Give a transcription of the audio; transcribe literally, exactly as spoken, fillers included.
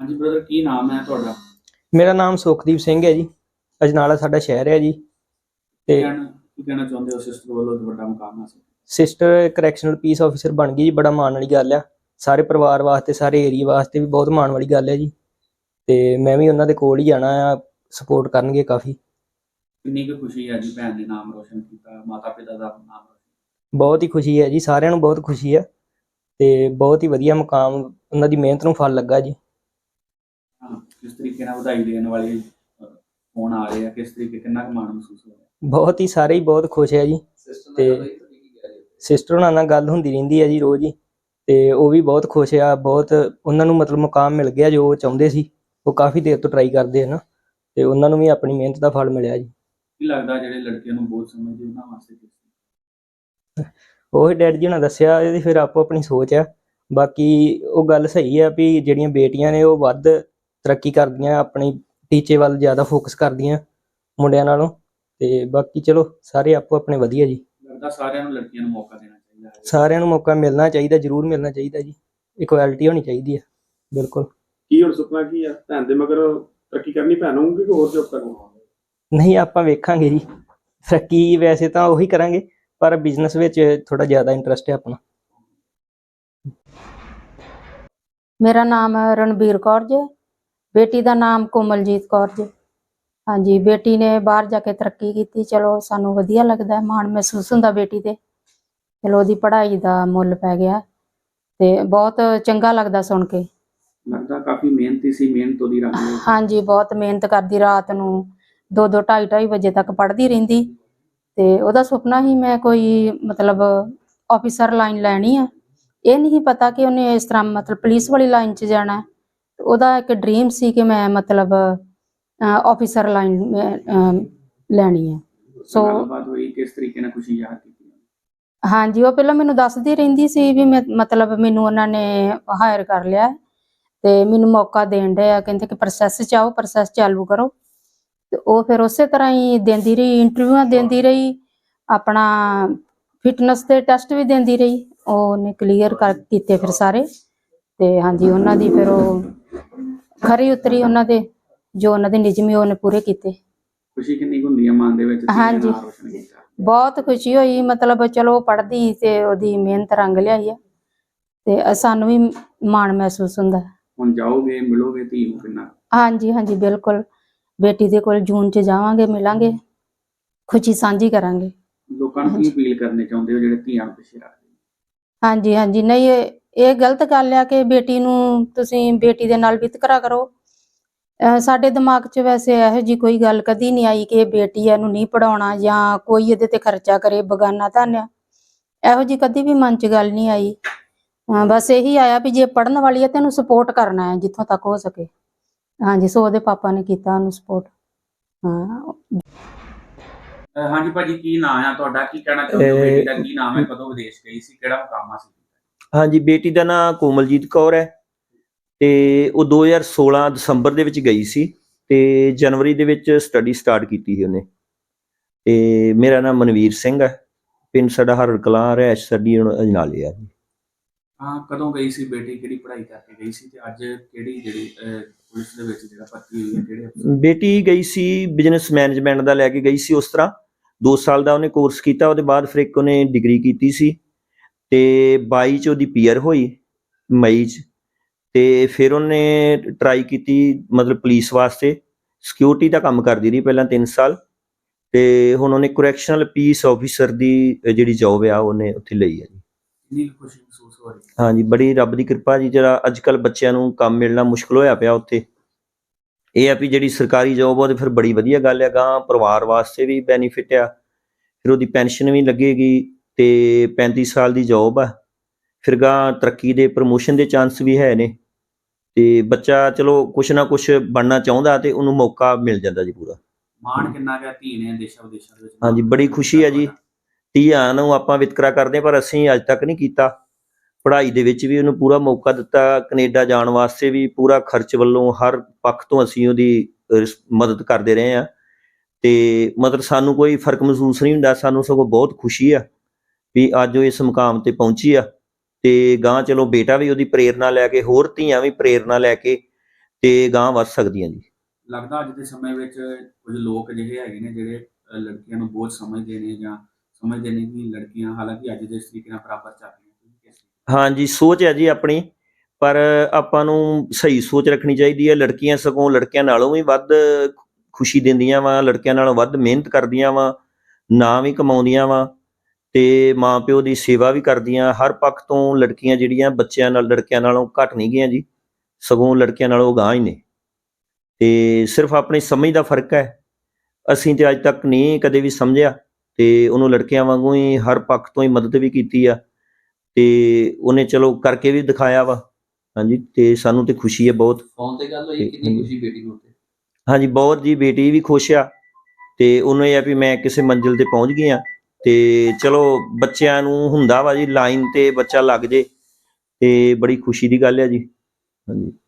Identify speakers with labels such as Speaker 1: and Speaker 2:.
Speaker 1: ਹਾਂਜੀ ਬ੍ਰਦਰ, ਕੀ ਨਾਮ ਹੈ ਤੁਹਾਡਾ?
Speaker 2: ਮੇਰਾ ਨਾਮ ਸੁਖਦੀਪ ਸਿੰਘ ਹੈ ਜੀ। ਅਜਨਾਲਾ ਸਾਡਾ ਸ਼ਹਿਰ ਹੈ ਜੀ।
Speaker 1: ਕੀ
Speaker 2: ਤੇ
Speaker 1: ਕਹਿਣਾ ਕੀ ਕਹਿਣਾ ਚਾਹੁੰਦੇ ਹੋ? ਸਿਸਟਰ ਵੱਲੋਂ ਇੱਕ ਵੱਡਾ ਮੁਕਾਮ ਹਾਸਲ।
Speaker 2: ਸਿਸਟਰ ਕਰੈਕਸ਼ਨਲ ਪੀਸ ਆਫਿਸਰ ਬਣ ਗਈ ਜੀ, ਬੜਾ ਮਾਣ ਵਾਲੀ ਗੱਲ ਆ। ਸਾਰੇ ਪਰਿਵਾਰ ਵਾਸਤੇ, ਸਾਰੇ ਏਰੀਆ ਵਾਸਤੇ ਵੀ ਬਹੁਤ ਮਾਣ ਵਾਲੀ ਗੱਲ ਹੈ ਜੀ। ਤੇ ਮੈਂ ਵੀ ਉਹਨਾਂ ਦੇ ਕੋਲ ਹੀ ਜਾਣਾ ਆ, ਸਪੋਰਟ ਕਰਨਗੇ ਕਾਫੀ।
Speaker 1: ਕਿੰਨੀ ਕੁ ਖੁਸ਼ੀ ਹੈ ਜੀ, ਭੈਣ ਨੇ ਨਾਮ ਰੋਸ਼ਨ ਕੀਤਾ, ਮਾਤਾ ਪਿਤਾ ਦਾ ਨਾਮ ਰੋਸ਼ਨ।
Speaker 2: ਬਹੁਤ ਹੀ ਖੁਸ਼ੀ ਹੈ ਜੀ, ਸਾਰਿਆਂ ਨੂੰ ਬਹੁਤ ਖੁਸ਼ੀ ਆ। ਤੇ ਬਹੁਤ ਹੀ ਵਧੀਆ ਮੁਕਾਮ, ਉਹਨਾਂ ਦੀ ਮਿਹਨਤ ਨੂੰ ਫਲ ਲੱਗਾ ਜੀ।
Speaker 1: ਹਾਂ, ਕਿਸ ਤਰੀਕੇ ਨਾਲ ਵਧਾਈ ਦੇਣ ਵਾਲੇ ਫੋਨ ਆ ਰਹੇ ਆ, ਕਿਸ ਤਰੀਕੇ, ਕਿੰਨਾ ਕੁ ਮਾਣ ਮਹਿਸੂਸ ਹੋ ਰਿਹਾ?
Speaker 2: ਬਹੁਤ ਹੀ, ਸਾਰੇ ਹੀ ਬਹੁਤ ਖੁਸ਼ ਹੈ ਜੀ। ਤੇ ਸਿਸਟਰ ਉਹਨਾਂ ਨਾਲ ਗੱਲ ਹੁੰਦੀ ਰਹਿੰਦੀ ਹੈ ਜੀ ਰੋਜ਼ ਹੀ। ਤੇ ਉਹ ਵੀ ਬਹੁਤ ਖੁਸ਼ ਆ, ਬਹੁਤ ਉਹਨਾਂ ਨੂੰ ਮਤਲਬ ਮੁਕਾਮ ਮਿਲ ਗਿਆ ਜੋ ਉਹ ਚਾਹੁੰਦੇ ਸੀ। ਉਹ ਕਾਫੀ ਦੇਰ ਤੋਂ ਟਰਾਈ ਕਰਦੇ ਹਨ ਤੇ ਉਹਨਾਂ ਨੂੰ ਵੀ ਆਪਣੀ ਮਿਹਨਤ ਦਾ ਫਲ ਮਿਲਿਆ ਜੀ।
Speaker 1: ਕੀ ਲੱਗਦਾ ਜਿਹੜੇ ਲੜਕਿਆਂ ਨੂੰ ਬਹੁਤ ਸਮਝਦੇ ਉਹਨਾਂ ਵਾਸਤੇ ਕਿਸ?
Speaker 2: ਉਹ ਡੈਡ ਜੀ ਨੇ ਦੱਸਿਆ, ਇਹਦੀ ਫਿਰ ਆਪੋ ਆਪਣੀ ਸੋਚ ਆ। ਬਾਕੀ ਉਹ ਗੱਲ ਸਹੀ ਆ ਵੀ ਜਿਹੜੀਆਂ ਬੇਟੀਆਂ ਨੇ ਉਹ ਵੱਧ ਤਰੱਕੀ ਕਰਦੀਆਂ, ਆਪਣੀ ਟੀਚੇ ਵੱਲ ਜ਼ਿਆਦਾ ਫੋਕਸ ਕਰਦੀਆਂ ਮੁੰਡਿਆਂ ਨਾਲੋਂ। ਤੇ ਬਾਕੀ ਚਲੋ ਸਾਰੇ ਆਪੋ ਆਪਣੇ ਵਧੀਆ ਜੀ।
Speaker 1: ਲੱਗਦਾ ਸਾਰਿਆਂ ਨੂੰ ਲੜਕੀਆਂ ਨੂੰ ਮੌਕਾ ਦੇਣਾ ਚਾਹੀਦਾ ਹੈ।
Speaker 2: ਸਾਰਿਆਂ ਨੂੰ ਮੌਕਾ ਮਿਲਣਾ ਚਾਹੀਦਾ, ਜ਼ਰੂਰ ਮਿਲਣਾ ਚਾਹੀਦਾ ਜੀ। ਇਕੁਐਲਿਟੀ ਹੋਣੀ ਚਾਹੀਦੀ ਹੈ, ਬਿਲਕੁਲ।
Speaker 3: ਕੀ ਹੁਣ ਸੁਪਨਾ ਕੀ ਆ? ਭੈਣ ਦੇ ਮਗਰ ਤਰੱਕੀ ਕਰਨੀ ਭੈਣ ਹੋਊਗੀ ਕਿ ਹੋਰ ਜੋਬ ਕਰਨੀ?
Speaker 2: ਨਹੀਂ, ਆਪਾਂ ਵੇਖਾਂਗੇ ਜੀ ਤਰੱਕੀ। ਵੈਸੇ ਤਾਂ ਉਹੀ ਕਰਾਂਗੇ, ਪਰ ਬਿਜ਼ਨਸ ਵਿੱਚ ਥੋੜਾ ਜ਼ਿਆਦਾ ਇੰਟਰਸਟ ਹੈ ਆਪਣਾ।
Speaker 4: ਮੇਰਾ ਨਾਮ ਰਣਬੀਰ ਕੌਰ ਜੀ, ਬੇਟੀ ਦਾ ਨਾਮ ਕੋਮਲਜੀਤ ਕੌਰ ਜੀ। ਹਾਂਜੀ, ਬੇਟੀ ਨੇ ਬਾਹਰ ਜਾ ਕੇ ਤਰੱਕੀ ਕੀਤੀ, ਚਲੋ ਸਾਨੂੰ ਵਧੀਆ ਲੱਗਦਾ, ਮਾਣ ਮਹਿਸੂਸ ਹੁੰਦਾ ਬੇਟੀ ਤੇ। ਚਲੋ ਉਹਦੀ ਪੜ੍ਹਾਈ ਦਾ ਮੁੱਲ ਪੈ ਗਿਆ ਤੇ ਬਹੁਤ ਚੰਗਾ ਲੱਗਦਾ ਸੁਣ ਕੇ।
Speaker 1: ਲੱਗਦਾ ਕਾਫੀ ਮਿਹਨਤੀ ਸੀ, ਮਿਹਨਤ ਉਹਦੀ ਰੰਗ ਲਿਆ।
Speaker 4: ਹਾਂਜੀ, ਬਹੁਤ ਮਿਹਨਤ ਕਰਦੀ, ਰਾਤ ਨੂੰ ਦੋ ਦੋ ਢਾਈ ਢਾਈ ਵਜੇ ਤੱਕ ਪੜ੍ਹਦੀ ਰਹਿੰਦੀ। ਤੇ ਉਹਦਾ ਸੁਪਨਾ ਹੀ ਮੈਂ ਕੋਈ ਮਤਲਬ ਆਫਿਸਰ ਲਾਈਨ ਲੈਣੀ ਆ। ਇਹ ਨਹੀਂ ਪਤਾ ਕਿ ਉਹਨੇ ਇਸ ਤਰ੍ਹਾਂ ਮਤਲਬ ਪੁਲਿਸ ਵਾਲੀ ਲਾਈਨ 'ਚ ਜਾਣਾ। ਉਹਦਾ ਇੱਕ ਡ੍ਰੀਮ ਸੀ ਕਿ ਮੈਂ ਮਤਲਬ ਆਫਿਸਰ ਲਾਈਨ ਲੈਣੀ ਹੈ। ਸੋ
Speaker 1: ਗੱਲਬਾਤ ਹੋਈ, ਕਿਸ ਤਰੀਕੇ ਨਾਲ ਖੁਸ਼ੀ ਜ਼ਾਹਰ ਕੀਤੀ?
Speaker 4: ਹਾਂਜੀ, ਉਹ ਪਹਿਲਾਂ ਮੈਨੂੰ ਦੱਸਦੀ ਰਹਿੰਦੀ ਸੀ ਵੀ ਮੈਂ ਮਤਲਬ ਮੈਨੂੰ ਉਹਨਾਂ ਨੇ ਹਾਇਰ ਕਰ ਲਿਆ ਤੇ ਮੈਨੂੰ ਮੌਕਾ ਦੇਣ ਡਏ ਆ, ਕਹਿੰਦੇ ਕਿ ਪ੍ਰੋਸੈਸ 'ਚ ਆਓ, ਪ੍ਰੋਸੈਸ ਚਾਲੂ ਕਰੋ। ਤੇ ਉਹ ਫਿਰ ਉਸੇ ਤਰ੍ਹਾਂ ਹੀ ਦਿੰਦੀ ਰਹੀ, ਇੰਟਰਵਿਊਆਂ ਦਿੰਦੀ ਰਹੀ, ਆਪਣਾ ਫਿਟਨੈਸ ਦੇ ਟੈਸਟ ਵੀ ਦਿੰਦੀ ਰਹੀ। ਉਹਨੇ ਕਲੀਅਰ ਕਰ ਕੀਤੇ ਫਿਰ ਸਾਰੇ। ਤੇ ਹਾਂਜੀ, ਉਹਨਾਂ ਦੀ ਫਿਰ ਉਹ ਖਰੀ ਉਤਰੀ, ਉਹਨਾਂ ਦੇ ਜੋ ਉਹਨਾਂ ਦੇ ਨਿਯਮ ਉਹਨੇ ਪੂਰੇ ਕੀਤੇ।
Speaker 1: ਖੁਸ਼ੀ ਕਿੰਨੀ ਕੁ ਹੁੰਦੀ ਹੈ ਮਨ ਦੇ ਵਿੱਚ?
Speaker 4: ਹਾਂਜੀ, ਬਹੁਤ ਖੁਸ਼ੀ ਹੋਈ। ਮਤਲਬ ਚਲੋ ਪੜ੍ਹਦੀ ਤੇ ਉਹਦੀ ਮਿਹਨਤ ਰੰਗ ਲਿਆਈ ਆ ਤੇ ਸਾਨੂੰ ਵੀ ਮਾਣ ਮਹਿਸੂਸ ਹੁੰਦਾ।
Speaker 1: ਹੁਣ ਜਾਓਗੇ, ਮਿਲੋਗੇ ਧੀ ਨੂੰ ਕਿੰਨਾ?
Speaker 4: ਹਾਂਜੀ ਹਾਂਜੀ, ਬਿਲਕੁਲ। ਬੇਟੀ ਦੇ ਕੋਲ ਜੂਨ 'ਚ ਜਾਵਾਂਗੇ, ਮਿਲਾਂਗੇ, ਖੁਸ਼ੀ ਸਾਂਝੀ ਕਰਾਂਗੇ।
Speaker 1: ਲੋਕਾਂ ਨੂੰ ਕੀ ਅਪੀਲ ਕਰਨੀ ਚਾਹੁੰਦੇ ਹੋ ਜਿਹੜੇ ਧੀਆਂ ਨੂੰ ਪਿੱਛੇ ਰੱਖਦੇ?
Speaker 4: ਹਾਂਜੀ ਹਾਂਜੀ, ਨਹੀਂ, ਇਹ ਇਹ ਗਲਤ ਗੱਲ ਆ ਕਿ ਬੇਟੀ ਨੂੰ ਤੁਸੀਂ ਬੇਟੀ ਦੇ ਨਾਲ ਵਿਤਕਰਾ ਕਰੋ। ਸਾਡੇ ਦਿਮਾਗ 'ਚ ਵੈਸੇ ਇਹੋ ਜਿਹੀ ਕੋਈ ਗੱਲ ਕਦੀ ਨਹੀਂ ਆਈ ਕਿ ਇਹ ਬੇਟੀ ਇਹਨੂੰ ਨਹੀਂ ਪੜ੍ਹਾਉਣਾ ਜਾਂ ਕੋਈ ਇਹਦੇ ਤੇ ਖਰਚਾ ਕਰੇ, ਬਗਾਨਾ ਧਨ ਆ, ਇਹੋ ਜਿਹੀ ਕਦੀ ਵੀ ਮਨ 'ਚ ਗੱਲ ਨਹੀਂ ਆਈ। ਬਸ ਇਹੀ ਆਇਆ ਵੀ ਜੇ ਪੜ੍ਹਨ ਵਾਲੀ ਹੈ ਤੇ ਇਹਨੂੰ ਸਪੋਰਟ ਕਰਨਾ ਹੈ ਜਿੱਥੋਂ ਤੱਕ ਹੋ ਸਕੇ। ਹਾਂਜੀ, ਸੋ ਉਹਦੇ ਪਾਪਾ ਨੇ ਕੀਤਾ ਉਹਨੂੰ ਸਪੋਰਟ। ਹਾਂ
Speaker 1: ਹਾਂਜੀ ਭਾਜੀ, ਕੀ ਨਾਮ ਆ ਤੁਹਾਡਾ? ਕੀ ਕਹਿਣਾ ਚਾਹੁੰਦੇ ਹੋ? ਬੇਟੀ ਦਾ ਕੀ ਨਾਮ ਹੈ? ਕਦੋਂ ਵਿਦੇਸ਼ ਗਈ ਸੀ? ਕਿਹੜਾ ਮੁਕਾਮ ਹਾਸਲ ਕੀਤਾ?
Speaker 5: ਹਾਂਜੀ, ਬੇਟੀ ਦਾ ਨਾਂ ਕੋਮਲਜੀਤ ਕੌਰ ਹੈ ਤੇ ਉਹ ਦੋ ਹਜ਼ਾਰ ਸੋਲਾਂ ਦਸੰਬਰ ਦੇ ਵਿੱਚ ਗਈ ਸੀ ਤੇ ਜਨਵਰੀ ਦੇ ਵਿੱਚ ਸਟੱਡੀ ਸਟਾਰਟ ਕੀਤੀ ਸੀ ਉਹਨੇ। ਤੇ ਮੇਰਾ ਨਾਮ ਮਨਵੀਰ ਸਿੰਘ ਹੈ, ਪਿੰਡ ਸਾਡਾ ਹਰੜ ਕਲਾਂ, ਰਿਹਾਇਸ਼ ਸਾਡੀ ਅਜਨਾਲੇ ਆ ਜੀ।
Speaker 1: ਹਾਂ, ਕਦੋਂ ਗਈ ਸੀ ਬੇਟੀ? ਕਿਹੜੀ ਪੜ੍ਹਾਈ ਕਰਕੇ ਗਈ ਸੀ ਤੇ ਅੱਜ ਕਿਹੜੀ ਜਿਹੜੀ ਪੁਲਿਸ ਦੇ ਵਿੱਚ ਜਿਹੜਾ ਭਰਤੀ ਹੋਈ ਹੈ, ਕਿਹੜੇ ਅਫਸਰ?
Speaker 5: ਬੇਟੀ ਗਈ ਸੀ ਬਿਜ਼ਨਸ ਮੈਨੇਜਮੈਂਟ ਦਾ ਲੈ ਕੇ ਗਈ ਸੀ। ਉਸ ਤਰ੍ਹਾਂ ਦੋ ਸਾਲ ਦਾ ਉਹਨੇ ਕੋਰਸ ਕੀਤਾ, ਉਹਦੇ ਬਾਅਦ ਫਿਰ ਇੱਕ ਉਹਨੇ ਡਿਗਰੀ ਕੀਤੀ ਸੀ ਤੇ ਬਾਈ 'ਚ ਉਹਦੀ ਪੀਆਰ ਹੋਈ ਮਈ 'ਚ। ਤੇ ਫਿਰ ਉਹਨੇ ਟਰਾਈ ਕੀਤੀ ਮਤਲਬ ਪੁਲਿਸ ਵਾਸਤੇ, ਸਿਕਿਉਰਿਟੀ ਦਾ ਕੰਮ ਕਰਦੀ ਰਹੀ ਪਹਿਲਾਂ ਤਿੰਨ ਸਾਲ। ਤੇ ਹੁਣ ਉਹਨੇ ਕਰੈਕਸ਼ਨਲ ਪੀਸ ਆਫਿਸਰ ਦੀ ਜਿਹੜੀ ਜੋਬ ਆ ਉਹਨੇ ਉੱਥੇ ਲਈ ਹੈ ਜੀ।
Speaker 1: ਕਿੰਨੀ ਖੁਸ਼ੀ ਮਹਿਸੂਸ ਹੋ ਰਹੀ?
Speaker 5: ਹਾਂਜੀ, ਬੜੀ ਰੱਬ ਦੀ ਕਿਰਪਾ ਜੀ। ਜਿਹੜਾ ਅੱਜ ਕੱਲ੍ਹ ਬੱਚਿਆਂ ਨੂੰ ਕੰਮ ਮਿਲਣਾ ਮੁਸ਼ਕਿਲ ਹੋਇਆ ਪਿਆ ਉੱਥੇ, ਇਹ ਆ ਵੀ ਜਿਹੜੀ ਸਰਕਾਰੀ ਜੋਬ ਉਹ ਤੇ ਫਿਰ ਬੜੀ ਵਧੀਆ ਗੱਲ ਆ, ਗਾਂ ਪਰਿਵਾਰ ਵਾਸਤੇ ਵੀ ਬੈਨੀਫਿਟ ਆ। ਫਿਰ ਉਹਦੀ ਪੈਨਸ਼ਨ ਵੀ ਲੱਗੇਗੀ ਤੇ ਪੈਂਤੀ ਸਾਲ ਦੀ ਜੋਬ ਆ। ਫਿਰ ਗਾਂ ਤਰੱਕੀ ਦੇ ਪ੍ਰਮੋਸ਼ਨ ਦੇ ਚਾਂਸ ਵੀ ਹੈ ਨੇ ਤੇ ਬੱਚਾ ਚਲੋ ਕੁਛ ਨਾ ਕੁਛ ਬਣਨਾ ਚਾਹੁੰਦਾ ਤੇ ਉਹਨੂੰ ਮੌਕਾ ਮਿਲ ਜਾਂਦਾ ਜੀ ਪੂਰਾ।
Speaker 1: ਮਾਣ ਕਿੰਨਾ ਗਿਆ ਧੀ ਨੇ ਦੇਸ਼ਾਂ ਵਿਦੇਸ਼ਾਂ ਦੇ ਵਿੱਚ?
Speaker 5: ਹਾਂਜੀ, ਬੜੀ ਖੁਸ਼ੀ ਹੈ ਜੀ। ਧੀਆਂ ਨੂੰ ਆਪਾਂ ਵਿਤਕਰਾ ਕਰਦੇ ਪਰ ਅਸੀਂ ਅੱਜ ਤੱਕ ਨਹੀਂ ਕੀਤਾ। ਪੜ੍ਹਾਈ ਦੇ ਵਿੱਚ ਵੀ ਉਹਨੂੰ ਪੂਰਾ ਮੌਕਾ ਦਿੱਤਾ, ਕੈਨੇਡਾ ਜਾਣ ਵਾਸਤੇ ਵੀ ਪੂਰਾ ਖਰਚ ਵੱਲੋਂ ਹਰ ਪੱਖ ਤੋਂ ਅਸੀਂ ਉਹਦੀ ਮਦਦ ਕਰਦੇ ਰਹੇ ਹਾਂ। ਤੇ ਮਤਲਬ ਸਾਨੂੰ ਕੋਈ ਫਰਕ ਮਹਿਸੂਸ ਨਹੀਂ ਹੁੰਦਾ, ਸਾਨੂੰ ਸਗੋਂ ਬਹੁਤ ਖੁਸ਼ੀ ਆ ਵੀ ਅੱਜ ਉਹ ਇਸ ਮੁਕਾਮ ਤੇ ਪਹੁੰਚੀ ਆ। ਤੇ ਗਾਂ ਚਲੋ ਬੇਟਾ ਵੀ ਉਹਦੀ ਪ੍ਰੇਰਨਾ ਲੈ ਕੇ, ਹੋਰ ਧੀਆਂ ਵੀ ਪ੍ਰੇਰਨਾ ਲੈ ਕੇ ਤੇ ਗਾਂ ਵੱਧ ਸਕਦੀਆਂ ਜੀ।
Speaker 1: ਲੱਗਦਾ ਅੱਜ ਦੇ ਸਮੇਂ ਵਿੱਚ ਕੁਝ ਲੋਕ ਅਜਿਹੇ ਹੈਗੇ ਨੇ ਜਿਹੜੇ ਅਹ, ਲੜਕੀਆਂ ਨੂੰ ਬਹੁਤ ਸਮਝਦੇ ਨੇ ਜਾਂ ਸਮਝਦੇ ਨੇ ਕਿ ਲੜਕੀਆਂ ਹਾਲਾਂਕਿ ਅੱਜ ਦੇ ਇਸ ਤਰੀਕੇ ਨਾਲ ਬਰਾਬਰ ਚੱਲ ਰਹੀਆਂ। ਤੁਸੀਂ ਕਿਸ ਤਰੀਕੇ
Speaker 5: ਹਾਂਜੀ, ਸੋਚ ਹੈ ਜੀ ਆਪਣੀ, ਪਰ ਆਪਾਂ ਨੂੰ ਸਹੀ ਸੋਚ ਰੱਖਣੀ ਚਾਹੀਦੀ ਹੈ। ਲੜਕੀਆਂ ਸਗੋਂ ਲੜਕਿਆਂ ਨਾਲੋਂ ਵੀ ਵੱਧ ਖੁਸ਼ੀ ਦਿੰਦੀਆਂ ਵਾ, ਲੜਕਿਆਂ ਨਾਲੋਂ ਵੱਧ ਮਿਹਨਤ ਕਰਦੀਆਂ ਵਾ, ਨਾਂ ਵੀ ਕਮਾਉਂਦੀਆਂ ਵਾ ਤੇ ਮਾਂ ਪਿਓ ਦੀ ਸੇਵਾ ਵੀ ਕਰਦੀਆਂ। ਹਰ ਪੱਖ ਤੋਂ ਲੜਕੀਆਂ ਜਿਹੜੀਆਂ ਬੱਚਿਆਂ ਨਾਲ ਲੜਕਿਆਂ ਨਾਲੋਂ ਘੱਟ ਨਹੀਂ ਗਈਆਂ ਜੀ, ਸਗੋਂ ਲੜਕਿਆਂ ਨਾਲੋਂ ਅਗਾਂਹ ਹੀ ਨੇ। ਤੇ ਸਿਰਫ ਆਪਣੀ ਸਮਝ ਦਾ ਫਰਕ ਹੈ। ਅਸੀਂ ਤੇ ਅੱਜ ਤੱਕ ਨਹੀਂ ਕਦੇ ਵੀ ਸਮਝਿਆ ਤੇ ਉਹਨੂੰ ਲੜਕਿਆਂ ਵਾਂਗੂ ਹੀ ਹਰ ਪੱਖ ਤੋਂ ਹੀ ਮਦਦ ਵੀ ਕੀਤੀ ਆ ਤੇ ਉਹਨੇ ਚਲੋ ਕਰਕੇ ਵੀ ਦਿਖਾਇਆ ਵਾ। ਹਾਂਜੀ, ਤੇ ਸਾਨੂੰ ਤੇ ਖੁਸ਼ੀ ਹੈ ਬਹੁਤ।
Speaker 6: ਫੋਨ ਤੇ ਗੱਲ ਹੋਈ, ਕਿੰਨੀ ਖੁਸ਼ੀ ਬੇਟੀ ਨੂੰ ਤੇ।
Speaker 5: ਹਾਂਜੀ, ਬਹੁਤ ਜੀ, ਬੇਟੀ ਵੀ ਖੁਸ਼ ਆ ਤੇ ਉਹਨੂੰ ਇਹ ਆ ਵੀ ਮੈਂ ਕਿਸੇ ਮੰਜ਼ਿਲ ਤੇ ਪਹੁੰਚ ਗਈ ਆ। ਤੇ ਚਲੋ ਬੱਚਿਆਂ ਨੂੰ ਹੁੰਦਾ ਵਾ ਜੀ ਲਾਈਨ ਤੇ ਬੱਚਾ ਲੱਗ ਜੇ ਤੇ ਬੜੀ ਖੁਸ਼ੀ ਦੀ ਗੱਲ ਹੈ ਜੀ। ਹਾਂਜੀ।